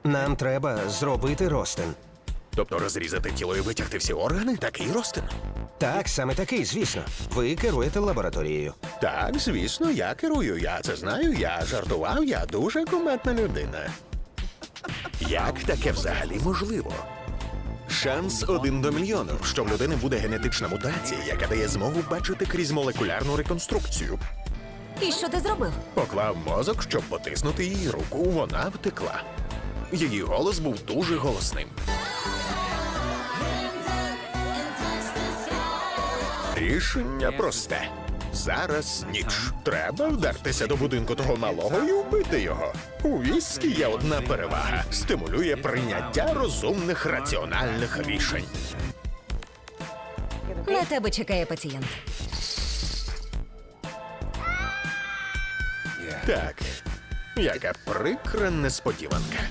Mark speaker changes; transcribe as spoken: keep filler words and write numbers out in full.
Speaker 1: Нам треба зробити ростин.
Speaker 2: Тобто розрізати тіло і витягти всі органи? Такий ростин?
Speaker 1: Так, саме такий, звісно. Ви керуєте лабораторією.
Speaker 2: Так, звісно, я керую, я це знаю, я жартував, я дуже кумедна людина. Як таке взагалі можливо? Шанс один до мільйону, що в людини буде генетична мутація, яка дає змогу бачити крізь молекулярну реконструкцію.
Speaker 3: І що ти зробив?
Speaker 2: Поклав мозок, щоб потиснути її руку, вона втекла. Її голос був дуже голосним. Рішення просте. Зараз ніч. Треба вдертися до будинку того малого і вбити його. У віскі є одна перевага. Стимулює прийняття розумних раціональних рішень.
Speaker 3: На тебе чекає пацієнт.
Speaker 2: Так, яка прикра несподіванка.